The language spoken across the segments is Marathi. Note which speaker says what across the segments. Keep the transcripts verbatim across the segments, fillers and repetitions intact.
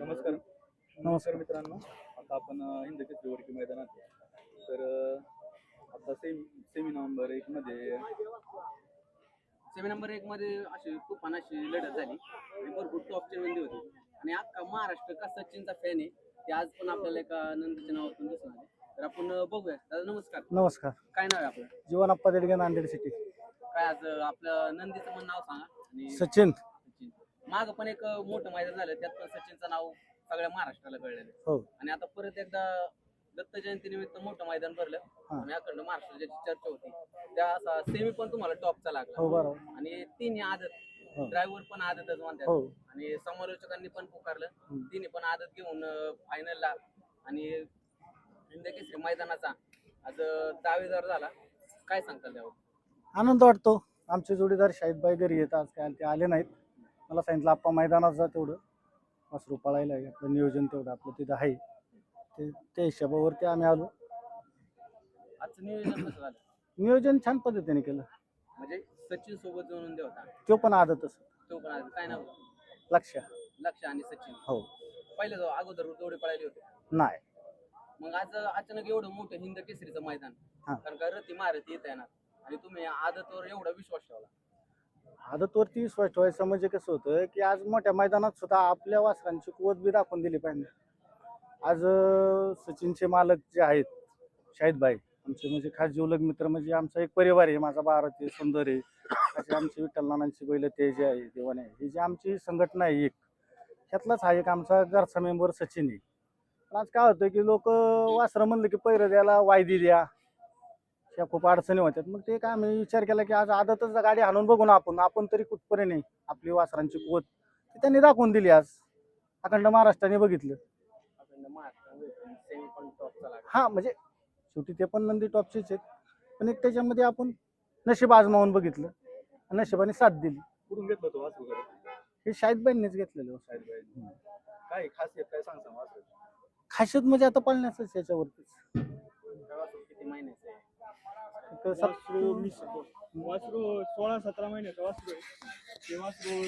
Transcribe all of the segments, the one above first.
Speaker 1: नमस्कार नमस्कार मित्रांनो. आता आपण हिंद केसरी वडकी मैदानात आहे. तर अ, आता सेमी सेमी नंबर एक मध्ये
Speaker 2: सेमी नंबर एक मध्ये अशी तुफान अशी लढत झाली आणि भरपूर टॉपची नंदी होती आणि अख्खा महाराष्ट्र का सचिनचा फॅन आहे ते आज पण आपल्याला एका नंदीच्या नावातून दिसून आले. तर आपण बघूया. दादा नमस्कार.
Speaker 3: नमस्कार.
Speaker 2: काय नाव आहे आपलं?
Speaker 3: जीवनाप्पा देडगे, नांदेड सिटी.
Speaker 2: काय आज आपलं नंदीचं पण नाव सांगा. आणि
Speaker 3: सचिन.
Speaker 2: सचिन माग पण एक मोठं मैदान झालं त्यात पण सचिनचं नाव सगळ्या महाराष्ट्राला कळलेलं.
Speaker 3: हो.
Speaker 2: आणि आता परत एकदा दत्त जयंती निमित्त मोठं मैदान भरलं आणि अखंड महाराष्ट्र ज्याची चर्चा होती त्या असा सेमी पण तुम्हाला टॉपचा लागला.
Speaker 3: हो बरोबर.
Speaker 2: आणि तिन्ही आदत ड्रायव्हर पण आदतच म्हणतात.
Speaker 3: हो.
Speaker 2: आणि समालोचकांनी पण पुकारलं तिन्ही पण आदत घेऊन फायनलला आणि हिंद केसरी मैदानाचा आज दावेदार झाला. काय सांगताल त्यावर?
Speaker 3: आनंद वाटतो. आमचे जोडीदार शाहिदबाई घरी येतात, आज काय ते आले नाहीत. मला सांगितलं आप्पा मैदानात जा, तेवढं वासरू पळायला आहे, आपलं नियोजन तेवढं आपलं तिथं आहे, ते त्या हिशोबावरती आम्ही आलो.
Speaker 2: आजचं नियोजन कसं झालं?
Speaker 3: नियोजन छान पद्धतीने केलं.
Speaker 2: म्हणजे सचिन सोबत जोडून दे होता
Speaker 3: तो पण आदतच.
Speaker 2: तो पण आदत. काय नाव?
Speaker 3: लक्ष.
Speaker 2: लक्ष आणि सचिन.
Speaker 3: हो.
Speaker 2: पहिले जो अगोदर जोडे पळाले होते
Speaker 3: नाही.
Speaker 2: मग आज अचानक एवढं मोठं हिंद केसरीचं मैदान, कारण का रती मारती येत येणार आणि तुम्ही आदतवर एवढा विश्वास ठेवला.
Speaker 3: आदतवरती विश्वास ठेवायचं म्हणजे कसं होतं की आज मोठ्या मैदानात सुद्धा आपल्या वासरांची कुवत बी दाखवून दिली पाहिजे. आज अं, सचिनचे मालक जे आहेत शाहिदबाई, आमचे म्हणजे खास जीवलग मित्र, म्हणजे आमचा एक परिवार आहे. माझा भारत आहे, सुंदर आहे, असे आमची विठ्ठल नानांची बैल ते जे आहे देवाने आहे, ही जी आमची संघटना आहे एक, ह्यातलाच हा एक आमचा घरचा मेंबर सचिन आहे. पण आज काय होतं की लोक वासरं म्हणलं की पैर द्यायला वायदी द्या, ह्या खूप अडचणी होत्यात. मग ते काय आम्ही विचार केला की आज आदतच गाडी हाणून बघू ना आपण आपण तरी कुठपर्यंत नाही आपली वासरांची कुवत ती त्यांनी दाखवून दिली. आज अखंड महाराष्ट्राने बघितलं.
Speaker 2: अखंड महाराष्ट्र सेमी पण टॉपचा लागला.
Speaker 3: हा म्हणजे शेवटी ते पण नंदी टॉपचेच आहेत, पण एक त्याच्यामध्ये आपण नशीब आजमावून बघितलं, नशिबाने साथ दिली.
Speaker 1: कुठून घेतलं तो वासरू घरी?
Speaker 3: हे शाहिदबाईंनीच घेतलेलं.
Speaker 1: शाहिदबाई. काय खासियत काय सांग सांग वासरू?
Speaker 3: खासियत म्हणजे आता पळण्याचंच याच्यावरतीच.
Speaker 2: त्या वासरू किती महिन्याचं आहे?
Speaker 3: एक सात-
Speaker 1: वासरू वीस वासरू सोळा सतरा महिन्याचं वासरू आहे. ते वासरू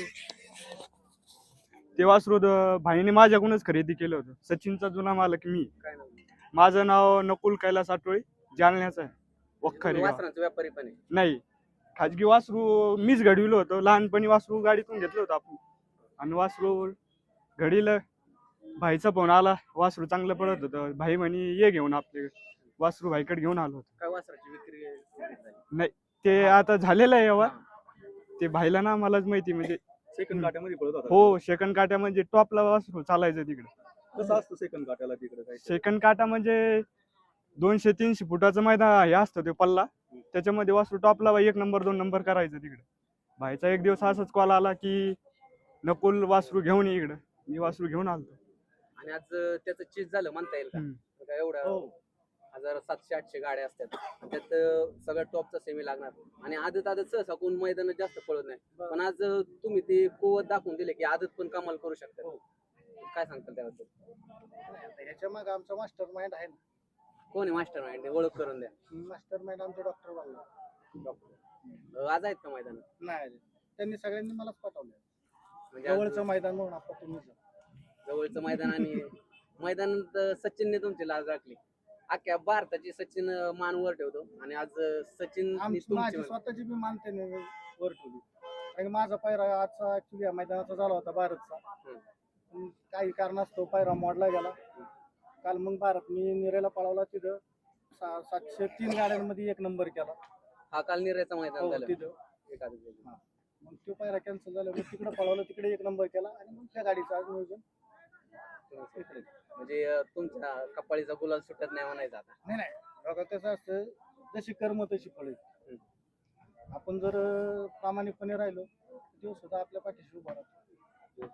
Speaker 1: ते वासरू द- भाईने माझ्याकडूनच खरेदी केलं होतं. सचिनचा जुना मालक मी.
Speaker 2: काय नाव?
Speaker 1: माझं नाव नकुल कैलास आटोळे, जालन्याचं आहे. वखरी गाव.
Speaker 2: वासरांचा व्यापारी पण आहे.
Speaker 1: नाही, खाजगी वासरू मीच घडविलं होतं. लहानपणी वासरू गाडीतून घेतलं होतं आपण आणि वासरू घडीला भाईचा फोन आला, वासरू चांगलं पडत होतं. भाई म्हणे ये घेऊन आपले वासरू भाईकडे घेऊन आलो होतो.
Speaker 2: काय वासराची विक्री झाली?
Speaker 1: नाही, ते आता झालेलं आहे व्यवहार. ते भाईला ना मलाच माहिती, म्हणजे
Speaker 4: सेकंड काट्यामध्ये पळत होता.
Speaker 1: हो, सेकंड काट्या म्हणजे टॉपला वासरू चालायचं तिकडे.
Speaker 4: कसं असतं सेकंड काट्याला तिकडे काय?
Speaker 1: सेकंड काटा म्हणजे दोनशे तीनशे फुटाचं मैदान हे असतं ते पल्ला, त्याच्यामध्ये वासरू टॉपला एक नंबर दोन नंबर करायचं तिकडे. भाईचा एक दिवस असाच कॉल आला की नकुल वासरू घेऊन ये इकडं. मी वासरू घेऊन आलो.
Speaker 2: आणि आज त्याचं चीज झालं म्हणता येईल का? का एवढं हजार सातशे आठशे गाड्या असतात त्यात सगळ्या टॉपचा सेमी लागणार आणि आदत आदत सहसा कोण मैदानात जास्त पळत नाही, पण आज तुम्ही ते कुवत दाखवून दिले की आदत पण कमाल करू शकतात. काय सांगताल त्याबद्दल?
Speaker 3: ह्याच्या मागे आमचा मास्टर माइंड आहे ना.
Speaker 2: कोण आहे मास्टर माइंड? ओळख करून द्या.
Speaker 3: मास्टर माइंड आमचे डॉक्टर बांगला.
Speaker 2: डॉक्टर आज आहेत का मैदानात?
Speaker 3: नाही, त्यांनी सगळ्यांनी मलाच पाठवलं.
Speaker 2: म्हणजे आज
Speaker 3: जवळचं मैदान म्हणून आपण तुम्ही
Speaker 2: जवळचं मैदान आणि मैदानात सचिनने तुमची लाज राखली. अख्ख्या भारताची सचिन मान वर ठेवतो आणि आज सचिन
Speaker 3: माझी स्वतःची बी मानते वर ठेवली. आणि माझा पायरा आजचा ऍक्च्युली मैदानाचा झाला होता भारतचा, पण काही कारणास्तव पायरा मोडला गेला. काल मग भारत मी निरेला पळवला, तिथं सा- सातशे तीन गाड्यांमध्ये एक नंबर केला.
Speaker 2: हा काल निरायचा मैदान
Speaker 3: हो,
Speaker 2: झालं
Speaker 3: तिथं
Speaker 2: एखादं.
Speaker 3: मग तो पायरा कॅन्सल झाला, मग तिकडे पळवलं, तिकडे एक नंबर केला आणि मग त्या गाडीचं आज नियोजन इकडे.
Speaker 2: म्हणजे अं, तुमच्या कपाळीचा गुलाल सुटत नाही म्हणायचं आता.
Speaker 3: नाही नाही बघा, कसं असतं, जशी कर्म तशी फळे. आपण जर अं, प्रामाणिकपणे राहिलो तो सुद्धा आपल्या पाठीशी उभा राहतो.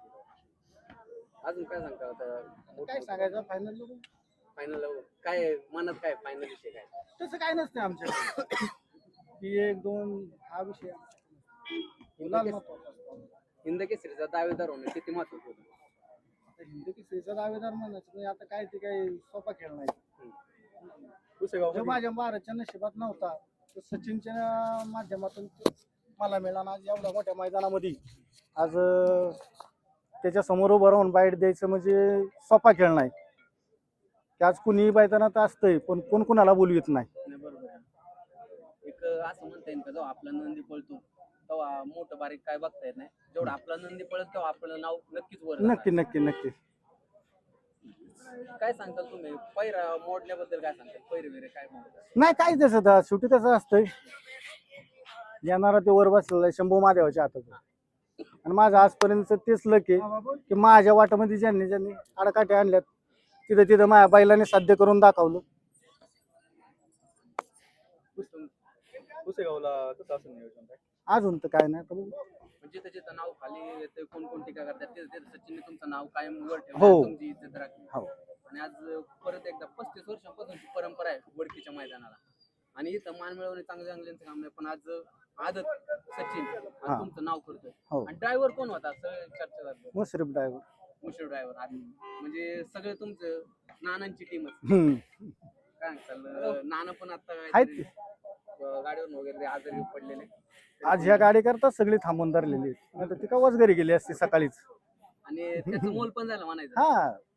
Speaker 2: अजून काय सांगता आता?
Speaker 3: काय सांगायचं फायनल
Speaker 2: फायनल काय मनात काय फायनल विषय काय?
Speaker 3: तसं काय नसते आमच्या की एक दोन हा विषय गुलाल महत्वाचा असतो.
Speaker 2: हिंद केसरीचा दावेदार होणं किती महत्वाचं होतं?
Speaker 3: आता हिंदी केसरीचा दावेदार म्हणायचं म्हणजे आता काय ते काही सोपा खेळ नाही.
Speaker 4: पुसेगाव
Speaker 3: जो माझ्या भारतच्या नशिबात नव्हता तो सचिनच्या माध्यमातून तो मला मिळाला. आज एवढ्या मोठ्या मैदानामध्ये आज अं, त्याच्या समोर उभं राहून बाईट द्यायचं म्हणजे सोपा खेळ नाही की आज कुणीही मैदानात असतंय पण कोण कुणाला बोलवित नाही.
Speaker 2: नाही, बरोबर आहे. एक असं म्हणता येईल का जेव्हा आपला नंदी पळतो तेव्हा मोठं बारीक काय बघता येत नाही, जेवढं आपला नंदी पळत तेव्हा आपलं नाव नक्कीच वर जाणार.
Speaker 3: नक्की नक्की नक्की.
Speaker 2: काय सांगताल तुम्ही पैरा मोडण्याबद्दल, काय सांगताल पैरे बिरे काय म्हणतात?
Speaker 3: नाही काय तसं तर शेवटी तसं असतंय. येणारा ते वर बसलेला आहे शंभू महादेवाच्या हातात आहे. आणि माझं आजपर्यंत तेच लक आहे की माझ्या वाटामध्ये ज्यांनी ज्यांनी आडकाठी आणल्यात तिथं तिथं माझ्या बैलाने साध्य करून दाखवलं.
Speaker 4: पुसेगावला कसं असं नियोजन काय?
Speaker 3: अजून तर काय नाही. तर बघू.
Speaker 2: म्हणजे त्याचं नाव खाली येतं, कोण कोण टीका करतात ते ते सचिनने तुमचं नाव कायम वर
Speaker 3: हो.
Speaker 2: ठेवलं, तुमची इज्जत राखली.
Speaker 3: हो.
Speaker 2: आणि आज परत एकदा पस्तीस वर्षांपासूनची परंपरा आहे वडकीच्या मैदानाला, आणि इथं मान मिळवणे चांगले चांगल्यांचं काम नाही, पण आज आदत सचिन आज
Speaker 3: हा.
Speaker 2: तुमचं नाव करतोय.
Speaker 3: हो.
Speaker 2: आणि ड्रायव्हर कोण होता असं चर्चा झाली,
Speaker 3: मुश्रीफ ड्रायव्हर.
Speaker 2: मुशीर ड्रायव्हर. म्हणजे सगळे तुमचं नानांची टीमच.
Speaker 3: हम्म.
Speaker 2: काय सांगताल, नाना पण आता
Speaker 3: आहेत
Speaker 2: काहीतरी,
Speaker 3: ते.
Speaker 2: अं, गाडीवर वगैरे आजारी पडलेले.
Speaker 3: आज ह्या गाडी करता सगळी थांबून धरलेली आहेत. नाहीतर ती का घरी गेली असती सकाळीच.
Speaker 2: आणि त्याचं मोल पण झालं म्हणायचं.
Speaker 3: हा